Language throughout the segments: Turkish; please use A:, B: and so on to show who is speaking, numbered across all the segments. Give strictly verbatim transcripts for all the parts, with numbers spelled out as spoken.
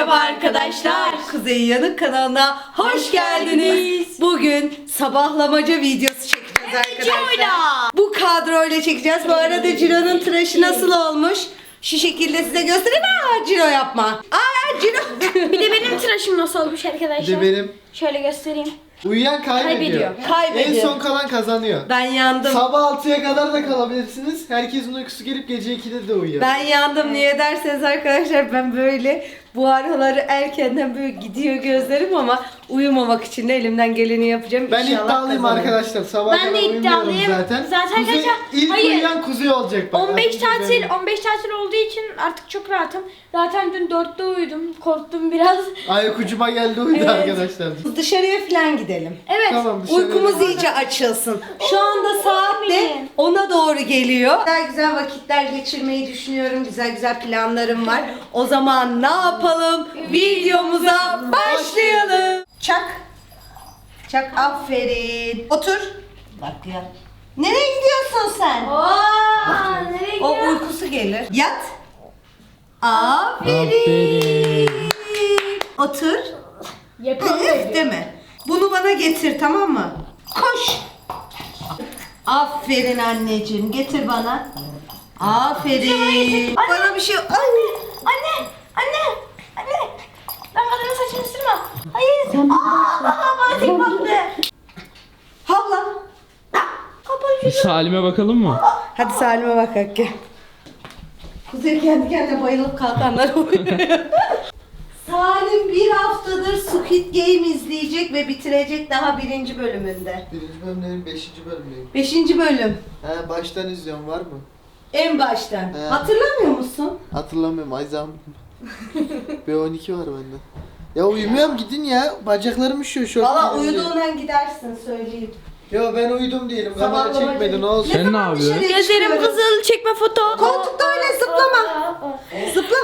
A: Merhaba arkadaşlar. Kuzey Yanık kanalına hoş, hoş geldiniz. geldiniz. Bugün sabahlamaca videosu çekeceğiz arkadaşlar. Ciro'yla. Bu kadroyla çekeceğiz. Bu arada Ciro'nun tıraşı nasıl olmuş? Şu şekilde size göstereyim. Aa, Ciro yapma. Aa, Ciro.
B: Bir de benim tıraşım nasıl olmuş arkadaşlar?
C: Bir de benim.
B: Şöyle göstereyim.
C: Uyuyan kaybediyor.
B: Kaybediyor.
A: Kaybediyor.
C: En son kalan kazanıyor.
A: Ben yandım.
C: Sabah altıya kadar da kalabilirsiniz. Herkesin uykusu gelip gece ikide de uyuyor.
A: Ben yandım. Niye derseniz arkadaşlar, ben böyle bu araları erkenden böyle gidiyor gözlerim ama uyumamak için de elimden geleni yapacağım.
C: Ben
A: İnşallah
C: iddialıyım
A: kazanırım.
C: arkadaşlar. Sabah
B: Ben
C: kadar
B: de
C: uyumuyorum
B: iddialıyım.
C: zaten.
B: Zaten
C: Kuzey,
B: kaça-
C: ilk
B: Hayır.
C: uyuyan Kuzey olacak bak.
B: on beş
C: Artık
B: tatil,
C: benim.
B: on beş tatil olduğu için artık çok rahatım. Zaten dün dörtte uyudum. Korktum biraz.
C: Ayak ucuma geldi uyudu
B: Evet.
C: arkadaşlar.
A: Dışarıya falan gidelim.
B: Evet.
C: Tamam dışarı.
A: Uykumuz iyice açılsın. Şu anda saat de ona doğru geliyor. Güzel güzel vakitler geçirmeyi düşünüyorum. Güzel güzel planlarım var. O zaman ne yapalım? Videomuza başlayalım. Çak. Çak, aferin. Otur. Bak ya. Nereye gidiyorsun sen?
B: Aa, nereye
A: O
B: gidiyor?
A: uykusu gelir. Yat. Aferin.
D: Aferin.
A: Otur.
B: Yapalım.
A: Üf deme. Bunu bana getir, tamam mı? Koş. Aferin anneciğim. Getir bana. Aferin. Bana bir şey... Ay.
B: Anne, anne, anne. Ben kadının saçını ısırma. Hayır. Aa, bana tek baktı.
A: Havla.
D: Bir Salim'e bakalım mı?
A: Hadi Salim'e bak gel. Kuzey kendi kendine bayılıp kalkanlar oluyor. Salim bir haftadır Squid Game izleyecek ve bitirecek daha birinci bölümünde.
C: Birinci bölümlerin beşinci bölümüyüm.
A: Beşinci bölüm.
C: He baştan izliyorum var mı?
A: En baştan.
C: He.
A: Hatırlamıyor musun?
C: Hatırlamıyorum Ayzam. B on iki var bende. Ya uyumuyorum gidin ya. Bacaklarım üşüyor şort.
A: Valla
C: giyince.
A: uyuduğundan gidersin söyleyeyim.
C: Ya ben uyudum diyelim. Kamera
A: Sabahlamacı.
C: çekmedi ne olsun.
D: Sen ne
A: zaman
D: yapıyorsun?
A: dışarıya
B: Gözlerim
A: çıkıyoruz?
B: kızıl, çekme foto.
A: Koltukta öyle zıplama. Zıpla.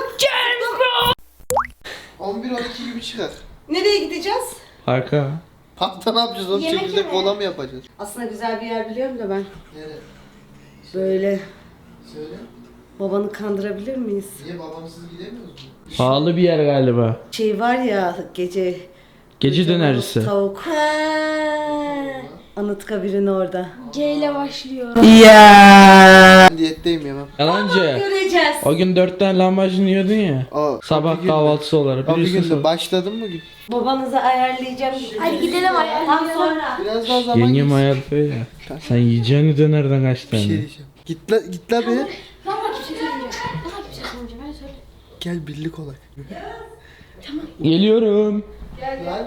C: on bir on iki gibi çıkar.
A: Nereye gideceğiz?
D: Arka.
C: Parkta ne yapacağız oğlum?
B: Yemek
C: Çekirdek
B: yeme.
C: kola mı yapacağız?
A: Aslında güzel bir yer biliyorum da ben.
C: Nereye?
A: Böyle
C: Söyle.
A: babanı kandırabilir miyiz?
C: Niye babamsız gidemiyoruz mu?
D: Pahalı bir yer galiba.
A: Şey var ya, gece
D: Gece dönercisi.
A: tavuk. Anıtkabir'in orada.
B: C ile başlıyor.
A: Ya.
C: Ben diyetteyim yemem.
D: Yalancı.
A: Göreceğiz.
D: O gün dört tane lahmacun yiyordun ya.
C: O,
D: Sabah
C: bir gün-
D: kahvaltısı olarak.
C: O bir
D: Biliyorsun
C: günde
D: sen.
C: başladın mı gün?
A: Babanızı ayarlayacağım.
B: Hadi gidelim hadi.
A: Tam sonra.
C: Biraz daha zaman
D: Yengem
C: geçsin.
D: ayarlıyor ya. Sen yiyeceğini dönerden kaç
C: Bir
D: tane?
C: şey diyeceğim. Git la, git la be.
B: Valla kimse söylemeyecek. Valla kimse söylemeyecek. Ben söyle.
C: Gel birlik olay.
D: Geliyorum.
C: Lan.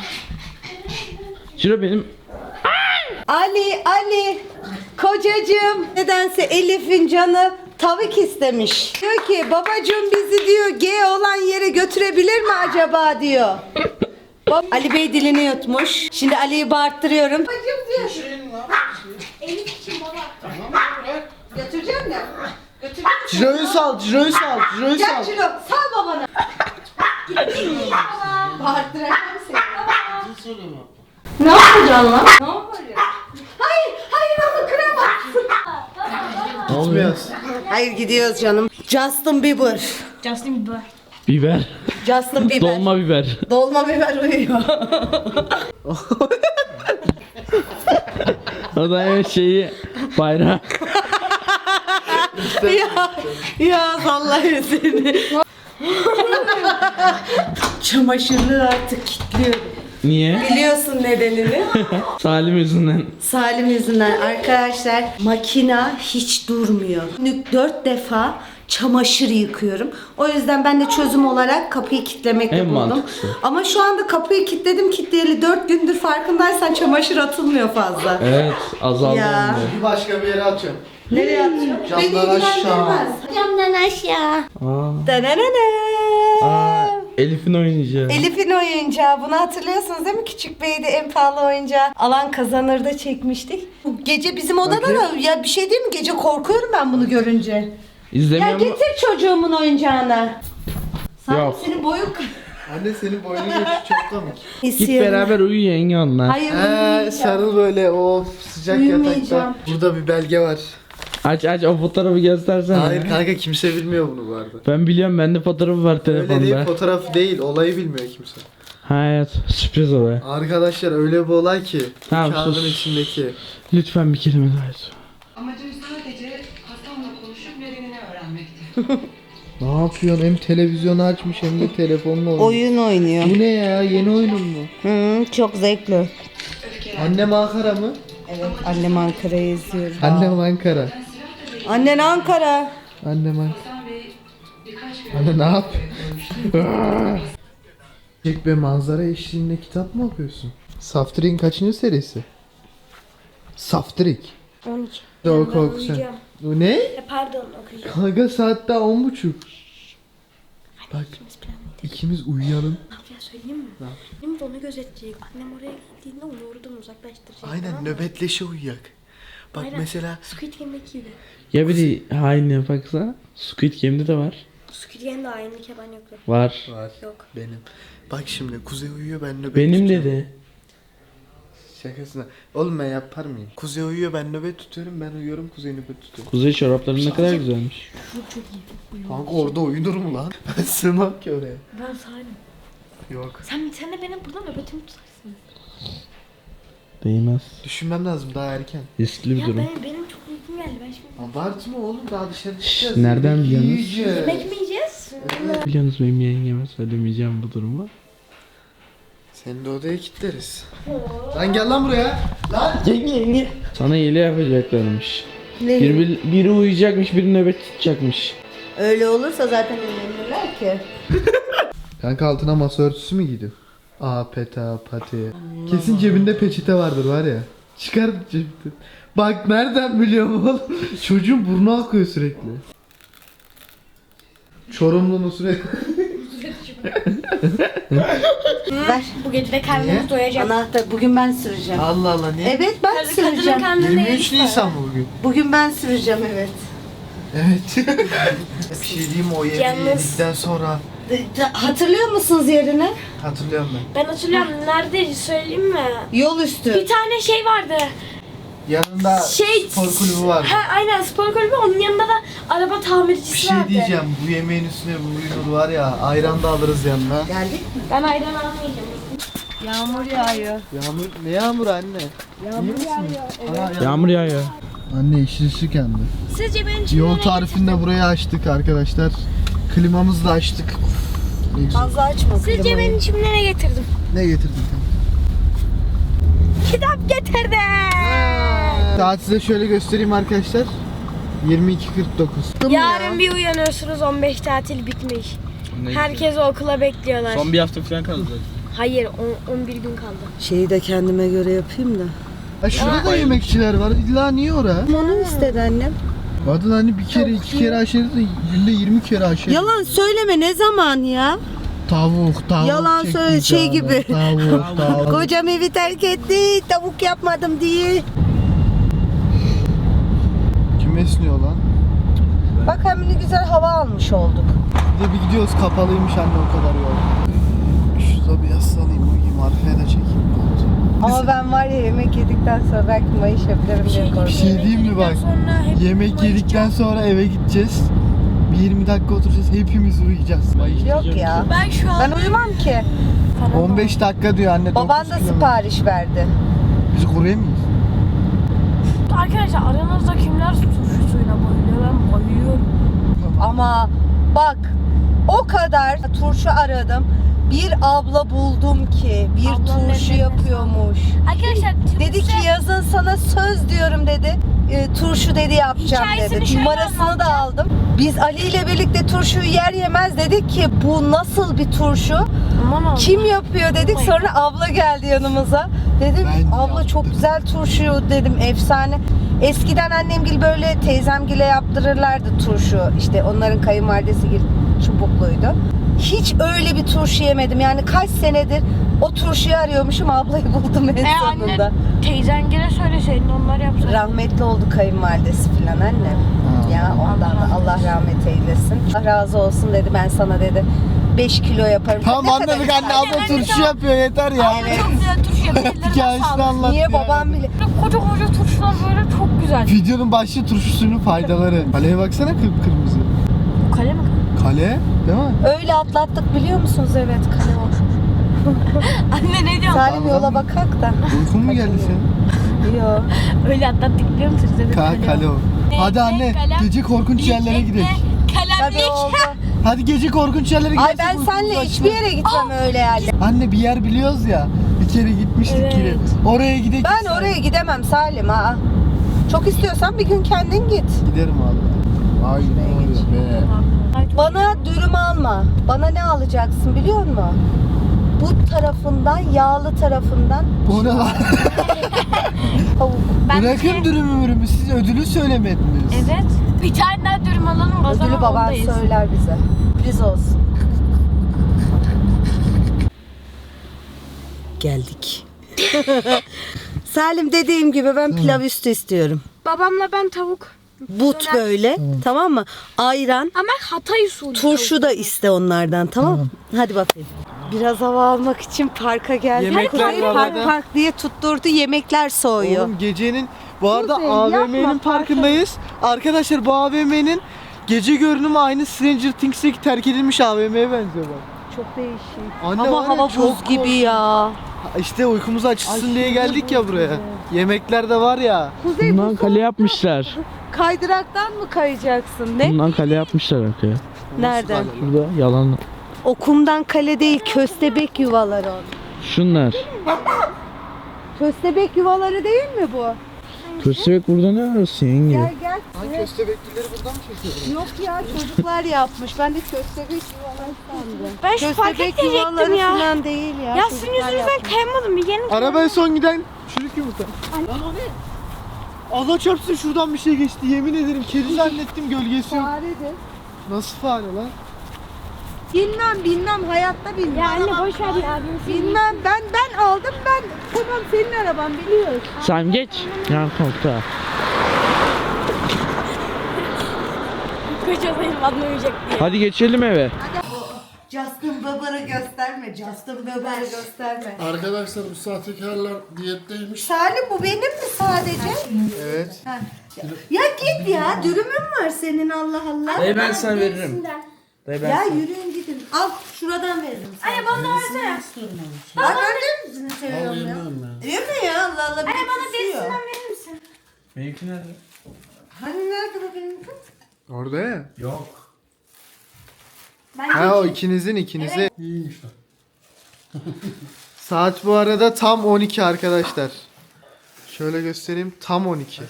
D: Ciro benim.
A: Ali, Ali, kocacığım. Nedense Elif'in canı tavuk istemiş. Diyor ki babacığım bizi diyor G olan yere götürebilir mi acaba diyor. Bab- Ali Bey dilini yutmuş. Şimdi Ali'yi bağırttırıyorum. Babacığım diyor.
B: Elif için baba.
A: Götüreceğim ya. Götüreceğim.
C: Ciro'yu sal, Ciro'yu sal, Ciro'yu
A: Gel
C: sal.
A: Ciro, sal babana. Bağırttıracağım seni.
B: Ne yapacaksın lan?
A: Ne oluyor? Hayır, hayır onu kıramazsın.
D: Ne oluyor?
C: Gitmiyoruz.
A: Hayır gidiyoruz canım. Justin Bieber.
B: Justin Bieber.
D: Biber.
A: Justin Bieber.
D: Dolma biber.
A: Dolma biber uyuyor.
D: O da en şeyi bayrağı.
A: ya, ya vallahi seni. Çamaşırlığı artık kilitliyorum.
D: Niye?
A: Biliyorsun nedenini.
D: Salim yüzünden.
A: Salim yüzünden arkadaşlar, makina hiç durmuyor. Günlük dört defa çamaşır yıkıyorum. O yüzden ben de çözüm olarak kapıyı kilitlemekle
D: En
A: buldum.
D: mantıklısı.
A: Ama şu anda kapıyı kilitledim kilitleyeli dört gündür, farkındaysan çamaşır atılmıyor fazla.
D: Evet azaldı
A: Ya.
D: hem de.
C: Bir başka bir yere atıyorum.
A: Nereye atıyor?
C: Camdan aşağı.
B: Camdan aşağı.
D: Aa.
A: Dananana.
D: Aa, Elif'in oynayacağı.
A: Elif'in oyuncağı. Bunu hatırlıyorsunuz değil mi? Küçük Bey'de en pahalı oyuncağı. Alan Kazanır'da çekmiştik. Gece bizim odada da ya bir şey değil mi? Gece korkuyorum ben bunu görünce. Ya
D: İzlemiyor mu?
A: getir çocuğumun oyuncağını. Sanki
D: Yok.
A: senin boyun
C: Anne senin boynun geçti çok komik.
D: Git beraber uyu yenge onunla.
A: Hayır
C: He
A: uyumayacağım.
C: sarıl böyle o sıcak
A: Uyumayacağım.
C: yatakta. Burada bir belge var.
D: Aç aç o fotoğrafı göstersene.
C: Hayır kanka kimse bilmiyor bunu bu arada.
D: Ben biliyorum, bende fotoğrafı var
C: Öyle değil,
D: telefonda.
C: fotoğraf değil, olayı bilmiyor kimse.
D: Hayat sürpriz olay.
C: Arkadaşlar öyle bir olay ki
D: Tamam,
C: kağıdın
D: sus.
C: içindeki.
D: Lütfen bir kelime daha et.
E: Amacım sadece Hasan'la konuşup nedenini öğrenmekti.
C: Ne yapıyorsun? Hem televizyonu açmış hem de telefonla oynuyor.
A: Oyun oynuyor.
C: Bu ne ya? Yeni oyunun mu?
A: Hı, çok zevkli.
C: Annem Ankara mı?
A: Evet, annem Ankara'yı izliyor.
C: Annem Ankara.
A: Annen Ankara.
C: Annem Ankara.
E: Hasan Bey birkaç gün
C: Anne ne yap? Çek be, manzara eşliğinde kitap mı okuyorsun? Saftirik'in kaçıncı serisi? Saftirik.
B: on iki.
C: De oku
B: Ben
C: oku sen.
B: uyuyacağım.
C: Bu ne?
B: E, pardon okuyacağım.
C: Kanka saat daha on buçuk. Bak
B: İkimiz planlıydık.
C: ikimiz uyuyalım.
B: Ne yapacağız söyleyeyim mi?
C: Ne
B: Annem de onu gözetleyecek. Annem oraya gittiğinde onu oradan uzaklaştıracak. tamam
C: Aynen
B: mı?
C: nöbetleşe uyuyak. Bak
B: Aynen.
C: mesela
B: Squid Game'deki gibi.
D: Ya biri hain yapaksa Squid Game'de de var.
B: Squid Game'de aynı keban yoktu.
D: Var.
C: var
B: Yok.
C: benim. Bak şimdi Kuzey uyuyor, ben nöbet
D: Benim
C: tutuyorum.
D: dedi.
C: Şakasına. Oğlum ben yapar mıyım? Kuzey uyuyor, ben nöbet tutuyorum, ben uyuyorum, Kuzey nöbet tutuyor.
D: Kuzey çorapların ne kadar güzelmiş.
B: Çok çok iyi. Uyuyor.
C: Kanka orada uyunur mu lan? Ben sığmam ki oraya.
B: Ben sahibim.
C: Yok.
B: Sen, sen de benim burada nöbetimi tutarsın.
D: Değmez.
C: Düşünmem lazım, daha erken.
D: Riskli bir
B: Ya
D: durum.
B: ben, benim çok uykum geldi. Ben şimdi...
C: Abartma oğlum, daha dışarı
D: Şşş,
C: çıkacağız.
D: nereden
C: Yemek
D: biliyorsunuz?
C: yiyeceğiz.
B: Yemek mi yiyeceğiz?
D: Biliyorsunuz benim yengeme söylemeyeceğim bu durumu.
C: Seni de odaya kilitleriz. Lan gel lan buraya. Lan.
D: Yenge yenge. Sana iyiliği yapacaklarmış.
A: Ne?
D: Biri, biri uyuyacakmış, biri nöbet tutacakmış.
A: Öyle olursa zaten evlenirler ki.
C: Kanka altına masa örtüsü mü giydi? Aa peta pati. Kesin cebinde peçete vardır var ya. Çıkar cebinde. Bak nereden biliyorum oğlum. Çocuğun burnu akıyor sürekli. Çorumlu Nusret.
A: Ver.
B: Bu gece de karnımız doyacak.
A: Anahtar. Bugün ben süreceğim.
C: Allah Allah ne?
A: Evet ben
B: Kadın- Kadının
A: süreceğim.
B: karnında
C: yirmi üç
B: yemiş
C: Nisan mı bugün?
A: Bugün ben süreceğim evet.
C: Evet. Bir şey diyeyim mi, o yemeği
B: Yalnız-
C: yedikten sonra
A: De- de- Hatırlıyor musunuz yerini?
C: hatırlıyorum ben.
B: Ben hatırlıyorum. Nerede söyleyeyim mi?
A: Yol üstü.
B: Bir tane şey vardı.
C: Yanında
B: Şey-
C: spor kulübü var.
B: Ha aynen spor kulübü. Onun yanında da araba tamircisi
C: Bir şey
B: vardı.
C: diyeceğim, bu yemeğin üstüne bu uyunur var ya, ayran da alırız yanına.
A: Geldik mi?
B: Ben ayran almayacağım.
A: Yağmur yağıyor.
C: Yağmur, ne yağmur anne?
B: Yağmur yağıyor. Evet.
D: Yağmur yağıyor.
C: Anne işi ışık yandı.
B: Sizce benim için
C: Yol
B: nereye
C: tarifini de buraya açtık arkadaşlar. Klimamızı da açtık. Uf, ne güzel.
A: Fazla açma
B: Sizce
A: klimayı.
B: benim için nereye getirdim?
C: Ne getirdin kanka?
B: Kitap getirdim.
C: Saat size şöyle göstereyim arkadaşlar. yirmi iki kırk dokuz.
B: Yarın bir uyanıyorsunuz on beş tatil bitmiş. Herkes okula bekliyorlar.
D: Son bir hafta falan kaldı.
B: Hayır on, on bir gün kaldı.
A: Şeyi de kendime göre yapayım da.
C: Ha şurada da yemekçiler var. İlla niye ora?
A: Onu istedi annem.
C: Kadın hani bir kere iki kere aşırı da günde yirmi kere aşırı.
A: Yalan söyleme ne zaman ya?
C: Tavuk tavuk.
A: Yalan
C: çekti
A: söyle, şey
C: canım.
A: gibi.
C: Tavuk tavuk.
A: Kocam evi terk etti, tavuk yapmadım diye.
C: Kim esniyor lan?
A: Bak hem ne güzel hava almış olduk.
C: Bir de bir gidiyoruz, kapalıymış anne o kadar yol. Şurada bir yaslanayım, uyuyayım, arkaya da çekeyim.
A: Ama ben var ya yemek yedikten sonra belki mayış yapabilirim diye
C: Bir
A: korkuyorum.
C: şey diyeyim mi bak?
B: Sonra hep
C: Yemek yedikten sonra eve gideceğiz. Bir yirmi dakika oturacağız, hepimiz uyuyacağız.
A: Yok ya.
B: ben şu an
A: Ben uyumam ki.
C: on beş dakika diyor anne.
A: Baban
C: dokuz
A: da
C: kilometre.
A: sipariş verdi.
C: Biz kuruyor muyuz?
B: arkadaşlar aranızda kimler turşu suyuna bayılıyor? Ben bayılıyorum.
A: Ama bak o kadar turşu aradım. Bir abla buldum ki bir
B: Ablam
A: turşu
B: memnun.
A: yapıyormuş.
B: Arkadaşlar
A: Dedi ki yazın sana söz diyorum dedi. E, turşu dedi yapacağım
B: Hikayesini
A: dedi.
B: şöyle
A: Numarasını da aldım. Biz Ali ile birlikte turşuyu yer yemez dedik ki bu nasıl bir turşu?
B: aman Allah'ım.
A: Kim yapıyor dedik. Sonra abla geldi yanımıza. Dedim
C: Ben
A: abla
C: yaptım.
A: çok güzel turşu dedim efsane. Eskiden annemgil böyle teyzemgile yaptırırlardı turşu. İşte onların kayınvalidesi gil çubukluydu. Hiç öyle bir turşu yemedim. Yani kaç senedir o turşuyu arıyormuşum, ablayı buldum en
B: E
A: sonunda.
B: anne teyzen gene söyleseydin onlar yapsaydı.
A: Rahmetli oldu kayınvalidesi filan annem.
C: Ha.
A: Ya ondan da Allah rahmet eylesin. Allah razı olsun dedi, ben sana dedi beş kilo yaparım.
C: Tamam
A: Ne kadar
C: anladık anne,
A: güzel.
C: abla turşu yapıyor yeter ya.
B: Abla çok güzel turşu yapıyor. Ellerine
C: Hikayesini
B: sağlık.
C: anlat
A: Niye
C: ya.
A: babam bile?
B: koca koca turşular böyle çok güzel.
C: Videonun başlı turşusunun faydaları. Kaleye baksana kıpkırmızı.
B: Bu kale mi?
C: Kale değil mi?
A: Öyle atlattık biliyor musunuz? Evet kale o.
B: Anne ne diyorsun?
A: Salim yola bakak da.
C: Uykun mu geldi senin?
A: Yok.
B: Öyle atlattık biliyor musunuz? Evet,
C: Ka kale o. Hadi anne gece korkunç yerlere gidelim.
A: Tabii
B: Kalemlik.
A: oldu.
C: Hadi gece korkunç yerlere gidelim.
A: Ay ben senle hiçbir yere gitmem öyle yerlere.
C: Anne bir yer biliyoruz ya. Bir kere gitmiştik
B: Evet.
C: yine. Oraya gidelim.
A: Ben oraya gidemem Salim ha. Çok istiyorsan bir gün kendin git.
C: Giderim abi. Ay ne oluyor be.
A: Bana dürüm alma. Bana ne alacaksın biliyor musun? Bu tarafından, yağlı tarafından
C: Bu ne lan?
A: tavuk.
B: Ben
C: Bırakın
B: de-
C: dürümü mürümü. Siz ödülü söylemediniz.
B: Evet. Bir tane daha dürüm alalım o zaman
A: Ödülü baban
B: ondayız.
A: söyler bize. Sürpriz olsun. Geldik. Salim dediğim gibi ben pilav üstü istiyorum.
B: Babamla ben tavuk.
A: But böyle tamam mı? Ayran,
B: Ama Hatay usulü.
A: turşu da iste onlardan tamam mı? Hadi bakayım. Biraz hava almak için parka geldik.
C: Yemekler
A: Kuzey
C: var
A: park
C: arada.
A: park diye tutturdu yemekler soğuyor.
C: Oğlum gecenin bu arada
A: Kuzey,
C: A V
A: yapma,
C: M'nin
A: parka-
C: parkındayız. Arkadaşlar bu A V M'nin gece görünümü aynı Stranger Things'teki terk edilmiş A V M'ye benziyor bak.
A: Çok değişik.
C: Anne var
A: Ama
C: ya,
A: hava buz
C: çok
A: gibi ya.
C: İşte uykumuz açılsın diye geldik ya buraya. Yemekler de var ya.
A: Kuzey
D: Bundan
A: bu
D: kale yapmışlar.
A: kaydıraktan mı kayacaksın? Ne?
D: Bundan kale yapmışlar arkaya.
A: Nereden?
D: Şurada yalan.
A: O kumdan kale değil, köstebek yuvaları o.
D: Şunlar.
A: Köstebek yuvaları değil mi bu?
D: Köstebek burada ne arıyorsun yenge?
A: Gel gel.
C: Lan köstebeklileri buradan mı çekiyorsun?
A: Yok ya çocuklar yapmış. Ben de köstebek yuvaları sandım.
B: Ben şu park
A: Köstebek
B: edecektim
A: yuvaları
B: ya.
A: falan değil ya.
B: Ya sizin
A: çocuklar
B: yüzünüzden
A: yapmış.
B: kayamadım. Bir yerini
C: Arabaya son giden çürük yumurta. Lan o ne? Allah çarpsın şuradan bir şey geçti. Yemin ederim kedi zannettim gölgesi yok.
A: Faredir.
C: Nasıl fare lan?
A: Bilmem bilmem hayatta bilmem.
B: Ya anne boş ver ya.
A: Bilmem ben ben aldım ben. Tamam senin araban biliyoruz.
D: Sen geç. Yan koltuğa.
B: Kocadayım anlamayacak diye.
D: Hadi geçelim eve.
A: Justin Bieber'ı gösterme. Justin Bieber'ı gösterme.
F: Arkadaşlar bu sahtekarlar diyetteymiş.
A: Salim bu benim mi sadece?
C: Evet.
A: Ha. Ya git ya dürümün var senin Allah Allah.
D: Dayı ben sana veririm. Dayı
A: Ya yürüyün gidin. Al şuradan veririm sana.
B: Anne bana da versene.
A: Bak gördün mü seni seviyorum ya. Yeme ya Allah Allah. Anne bana
B: Derisinden verir misin?
D: Benimki nerede?
A: Hani nerede bu benim kız?
C: Orada ya.
F: Yok.
C: Ha o ikinizin ikinize.
F: İyiymiş lan.
C: Saat bu arada tam on iki arkadaşlar. Şöyle göstereyim tam on iki.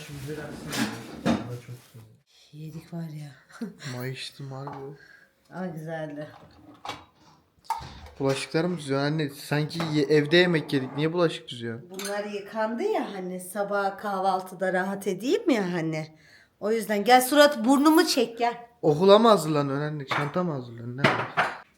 A: Yedik var ya.
C: Mayıştım harbi.
A: Aa güzeldi.
C: Bulaşıklar mı düzüyor anne? Sanki ye- evde yemek yedik. Niye bulaşık düzüyor?
A: Bunlar yıkandı ya hani sabah kahvaltıda rahat edeyim ya hani. O yüzden gel surat burnumu çek gel.
C: Okula mı hazırlanıyorsun anne? Çanta mı hazırlanıyorsun? Ne var?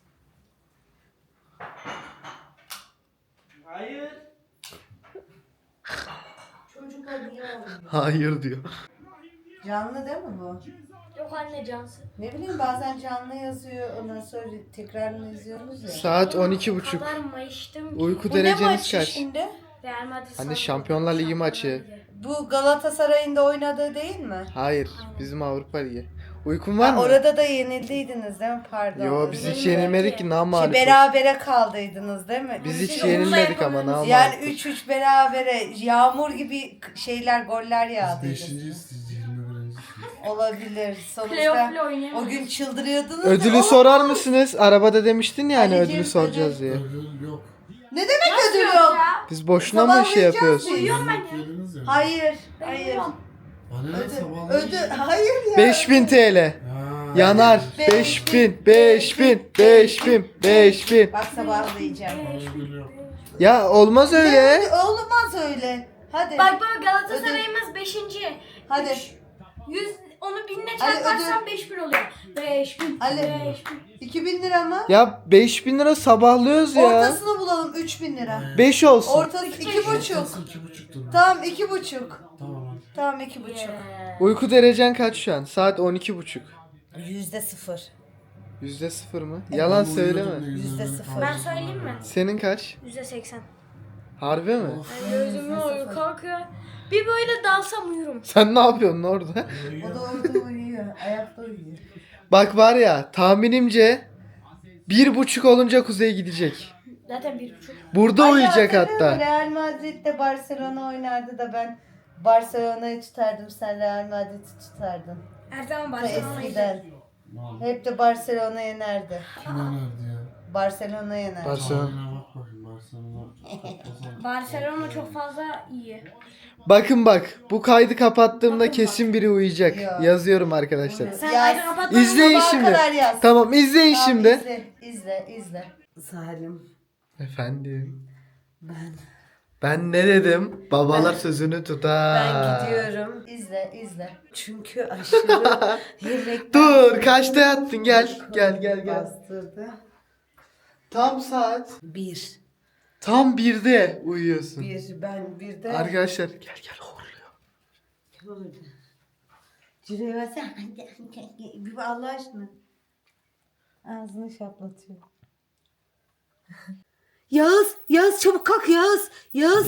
A: Çocuklar niye olmuyor?
C: Hayır diyor.
A: Canlı değil mi bu?
B: Yok anne cansın.
A: Ne bileyim bazen canlı yazıyor ondan sonra tekrarını izliyoruz ya.
C: Saat on iki buçuk.
B: kadar mayıştım ki.
C: Uyku
A: Bu ne
C: dereceniz
A: maçı
C: kaç?
A: şimdi?
B: Real Madrid
C: Hani
B: sandım.
C: Şampiyonlar Ligi maçı.
A: Bu Galatasaray'ın da oynadığı değil mi?
C: Hayır. Bizim Avrupa Ligi. Uykun var
A: Ha,
C: mı?
A: orada da yenildiydiniz değil mi? Pardon.
C: Yo biz
A: Özür
C: hiç
A: dilerim.
C: yenilmedik ki
A: Şey,
C: namalip.
A: berabere kaldıydınız değil mi?
C: Biz
A: Siz
C: hiç
A: onunla
C: yenilmedik ama
A: yapamadınız.
C: namalip.
A: Yani üç üç berabere yağmur gibi k- şeyler goller yağdı.
F: Beşinciyiz siz yirmi birincisiniz.
A: Olabilir. Sonuçta
B: Playoff'la oynayamadık.
A: o gün çıldırıyordunuz.
C: Ödülü
A: ya.
C: sorar mısınız? Arabada demiştin ya hani
A: Anneciğim,
C: ödülü soracağız diye.
F: Ödül yok.
A: Ne demek ödül yok?
C: Biz boşuna mı şey yapıyoruz?
B: Uyuyorum ben ya.
F: Yediniz ya.
A: Hayır. Hayır.
F: Bana ne
A: Ödül.
F: sabah?
A: Ödül. Hayır ya.
C: beş bin T L.
F: Ha.
C: Yanar. beş bin, beş bin, beş bin, beş bin.
A: Bak sabahlayacağım.
F: Ödül yok.
C: Ya olmaz öyle.
A: Olmaz öyle. Hadi.
B: Bak baba Galatasaray'ımız beşinci.
A: Hadi.
B: yüz onu binle
A: Ali,
B: çarparsan beş bin oluyor. beş bin.
A: Ali.
B: beş bin.
A: iki bin lira mı?
C: Ya beş bin lira sabahlıyoruz ya.
A: Ortasını bulalım üç bin lira.
C: beş olsun.
A: Ortası iki buçuk.
F: Ortası iki buçuktur.
A: Tamam iki buçuk.
F: Tamam hadi.
A: Tamam iki buçuk.
C: Uyku derecen kaç şu an? Saat on iki buçuk.
A: Yüzde sıfır.
C: Yüzde sıfır mı? Yalan
F: Ben
C: söyleme.
F: uyuyordum da yüzüne
A: Yüzde
F: beni
A: sıfır.
F: kaldırdı.
B: Ben söyleyeyim mi?
C: Senin kaç?
B: yüzde seksen.
C: Harbi mi?
B: Gözümü uyku kalkıyor. Bir böyle dalsam uyurum.
C: Sen ne yapıyorsun orada?
A: O da orada uyuyor. Ayakta uyuyor.
C: Bak var ya tahminimce bir buçuk olunca Kuzey gidecek.
B: Zaten bir buçuk.
C: Burada uyuyacak
A: hatırlıyor musun?
C: hatta.
A: Real Madrid'de Barcelona oynardı da ben Barcelona'yı tutardım. Sen Real Madrid'i tutardın.
B: Her zaman
A: Ta
B: Barcelona'yı
A: eskiden. Hep de Barcelona yenerdi.
F: Kim önerdi ya?
A: Barcelona yenerdi.
C: Barcelona.
F: Tahminine bak bakayım. Barcelona.
B: Barcelona çok fazla iyi.
C: Bakın bak bu kaydı kapattığımda kesin biri uyuyacak.
A: Ya.
C: Yazıyorum arkadaşlar.
B: Sen
A: Yaz.
B: aydın kapatma.
C: İzleyin
A: Sabaha
C: şimdi.
A: kadar yaz.
C: Tamam izleyin
A: Tamam,
C: şimdi.
A: izle, izle, izle. Salim.
C: Efendim.
A: Ben.
C: Ben ne dedim? Babalar sözünü tutar.
A: Ben gidiyorum. İzle, izle. Çünkü aşırı yemekten
C: Dur kaçta yattın gel gel gel gel.
A: bastırdı.
C: Tam saat.
A: Bir.
C: Tam birde uyuyorsun.
A: Bir. Ben bir de.
C: Arkadaşlar gel gel horluyor.
A: Orada. Cüreyi versene. Bir Allah aşkına. Ağzını şaplatıyor. Yağız, Yağız çabuk kalk Yağız. Yağız.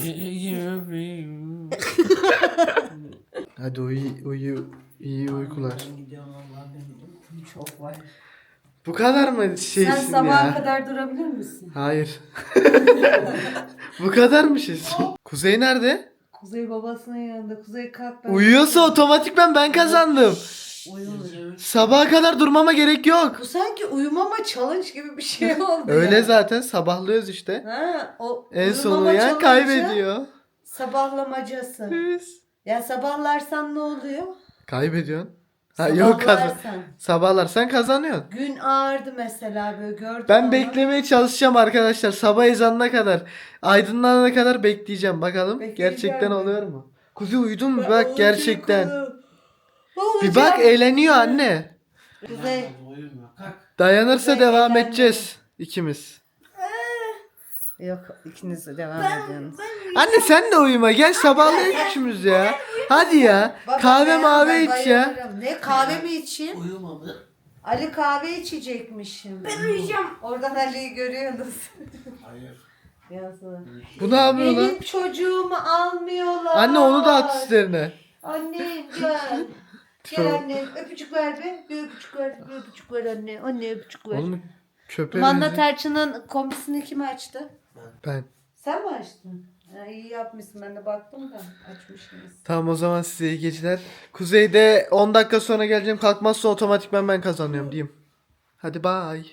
C: Hadi uyu uyu iyi uykular.
A: Gidiyorum Allah benim çok var.
C: Bu kadar mı
A: Sen
C: şeysin
A: sabaha
C: ya?
A: kadar durabilir misin?
C: Hayır. Bu kadar mı şeysin? Kuzey nerede?
A: Kuzey babasının yanında. Kuzey kalk ben.
C: Uyuyorsa otomatikman ben kazandım.
A: Uyumuyor.
C: Sabaha kadar durmama gerek yok.
A: Bu sanki uyumama challenge gibi bir şey oldu.
C: Öyle
A: ya.
C: zaten sabahlıyoruz işte.
A: Ha, o
C: En son
A: uyumama
C: uyuyan
A: challenge'ı
C: kaybediyor.
A: Sabahlamacası. Ya sabahlarsan ne oluyor?
C: Kaybediyorsun. Ha yok kazan.
A: Sabahlarsan.
C: Sabahlarsan kazanıyorsun.
A: Gün ağırdı mesela böyle gördüm.
C: Ben
A: onu.
C: beklemeye çalışacağım arkadaşlar. Sabah ezanına kadar, aydınlanana kadar bekleyeceğim. Bakalım
A: Bekleyeceğim
C: gerçekten
A: mi?
C: oluyor mu? Kuzey uyudun mu?
A: Ben
C: Bak
A: olacak
C: gerçekten.
A: onu.
C: Bir bak eğleniyor anne.
A: Kuzey.
F: Uyuma. Kalk.
C: Dayanırsa
A: Kuzey
C: devam
A: eğlenmiyor.
C: edeceğiz ikimiz.
A: Yok ikiniz de devam ediyorsunuz.
C: Anne sen de uyuma. Gel sabahlayalım üçümüz ya. Hadi ya.
A: Baba,
C: Kahve
A: ben-
C: mavi
A: ben
C: iç ya.
A: bayılırım. Ne kahve mi içeyim?
F: Uyuma be.
A: Ali kahve içecekmişim.
B: Ben uyuyacağım.
A: Oradan Ali'yi görüyorsunuz.
F: Hayır.
A: Yazık.
C: Bu ne yapıyor lan?
A: Benim çocuğumu almıyorlar.
C: Anne onu da at üstlerine.
A: Annem gel. Gel annem öpücük ver be. Bir öpücük ver. Bir öpücük ver anne. Anne öpücük ver.
C: Oğlum köpeğe
A: Manda
C: benziyor.
A: Terçin'in kombisini kim açtı?
C: Ben.
A: Sen mi açtın? Ha, iyi yapmışsın. Ben de baktım da açmışsınız.
C: Tamam o zaman size iyi geceler. Kuzey'de on dakika sonra geleceğim. Kalkmazsa otomatikman ben kazanıyorum diyeyim. Hadi bye.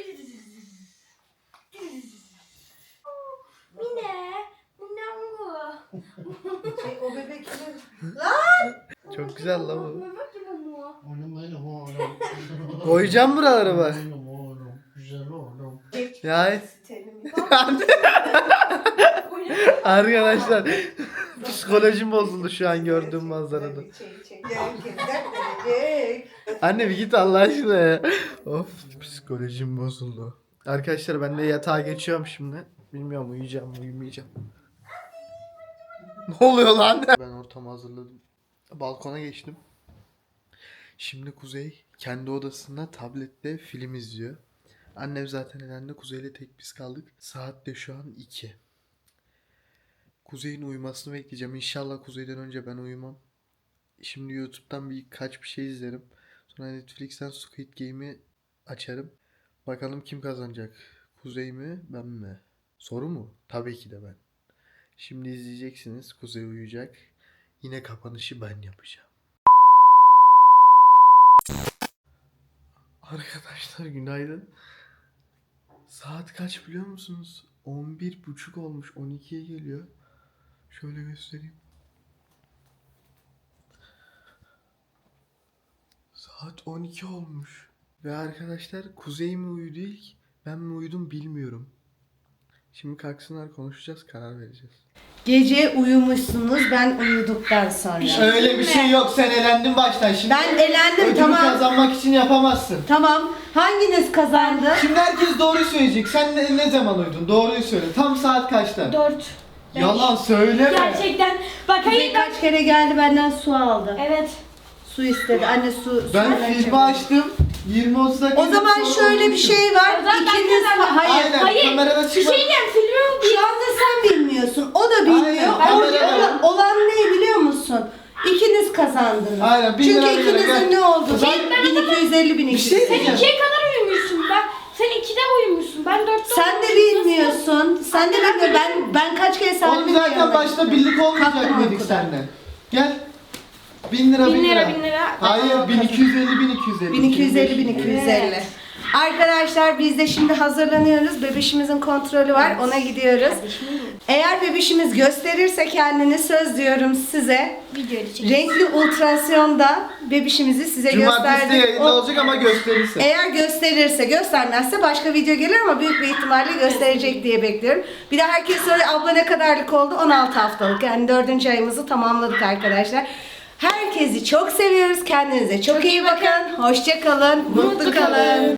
B: Mine. Minango.
A: Şey, o bebek kimin?
C: Çok güzel lan bu.
B: Bebek gibi bu.
F: Oğlum benim oğlum.
C: Koyacağım buraları bak.
F: Benim oğlum. Güzel oğlum.
C: Ya arkadaşlar psikolojim bozuldu şu an gördüğüm manzarada. Anne bir git Allah aşkına ya. Of psikolojim bozuldu. Arkadaşlar ben de yatağa geçiyorum şimdi. Bilmiyorum uyuyacağım mı uyumayacağım. Ne oluyor lan? Ben ortamı hazırladım. Balkona geçtim. Şimdi Kuzey kendi odasında tablette film izliyor. Annem zaten elendi. Kuzey'le tek biz kaldık. Saat de şu an iki. Kuzey'in uyumasını bekleyeceğim. İnşallah Kuzey'den önce ben uyumam. Şimdi YouTube'dan birkaç bir şey izlerim. Sonra Netflix'ten Squid Game'i açarım. Bakalım kim kazanacak? Kuzey mi, ben mi? Soru mu? Tabii ki de ben. Şimdi izleyeceksiniz. Kuzey uyuyacak. Yine kapanışı ben yapacağım. Arkadaşlar günaydın. Saat kaç biliyor musunuz? on bir buçuk olmuş. on ikiye geliyor. Şöyle göstereyim. Saat on iki olmuş. Ve arkadaşlar Kuzey mi uyudu ilk? Ben mi uyudum bilmiyorum. Şimdi kalksınlar konuşacağız, karar vereceğiz.
A: Gece uyumuşsunuz ben uyuduktan sonra.
C: Öyle bir şey yok. Sen elendin baştan. Şimdi
A: Ben elendim
C: ödülü
A: tamam.
C: kazanmak için yapamazsın.
A: Tamam. Hanginiz kazandı?
C: Şimdi herkes doğru söyleyecek. Sen ne, ne zaman uyudun? Doğruyu söyle. Tam saat kaçta?
B: Dört.
C: Yalan söyleme.
B: Gerçekten. Bak
A: Kuzey
B: hayır ben.
A: kaç kere geldi benden su aldı.
B: Evet.
A: Su istedi. Anne su. su
C: Ben
A: ver
C: filmi
A: çabuk.
C: açtım. yirmi otuz dakika.
A: O zaman
C: sonra
A: şöyle bir
C: uyumuşum.
A: şey var.
B: O zaman ben
A: İkiniz
B: kazandım.
A: hayır.
C: Aynen.
B: Hayır.
C: Kamerada
B: Bir
C: çıkma.
B: şey diyeceğim filmi
A: Şu anda sen bilmiyorsun. O sen de bilmiyorsun. Sen de bilmiyorsun. Ben ben kaç kere
C: Oğlum
A: Salim'in
C: zaten
A: yanına
C: başta
A: gittim.
C: birlik olmayacak
A: Kalkma
C: dedik
A: okuldan.
C: seninle. Gel. Bin lira bin,
B: Bin lira,
C: lira.
B: bin lira.
C: Hayır bin iki yüz elli bin iki yüz elli.
A: bin iki yüz elli bin iki yüz elli. Arkadaşlar biz de şimdi hazırlanıyoruz. Bebişimizin kontrolü var. Ona gidiyoruz. Eğer bebişimiz gösterirse kendini söz diyorum size.
B: Videoyu çek.
A: Renkli ultrasyonda bebişimizi size
C: Cumartesi de
A: gösterdik.
C: yayında
A: O-
C: olacak ama gösterirse.
A: Eğer gösterirse, göstermezse başka video gelir ama büyük bir ihtimalle gösterecek diye bekliyorum. Bir de herkes soruyor abla ne kadarlık oldu? on altı haftalık. Yani dördüncü ayımızı tamamladık arkadaşlar. Herkesi çok seviyoruz. Kendinize çok iyi bakın. Hoşça kalın. Mutlu kalın.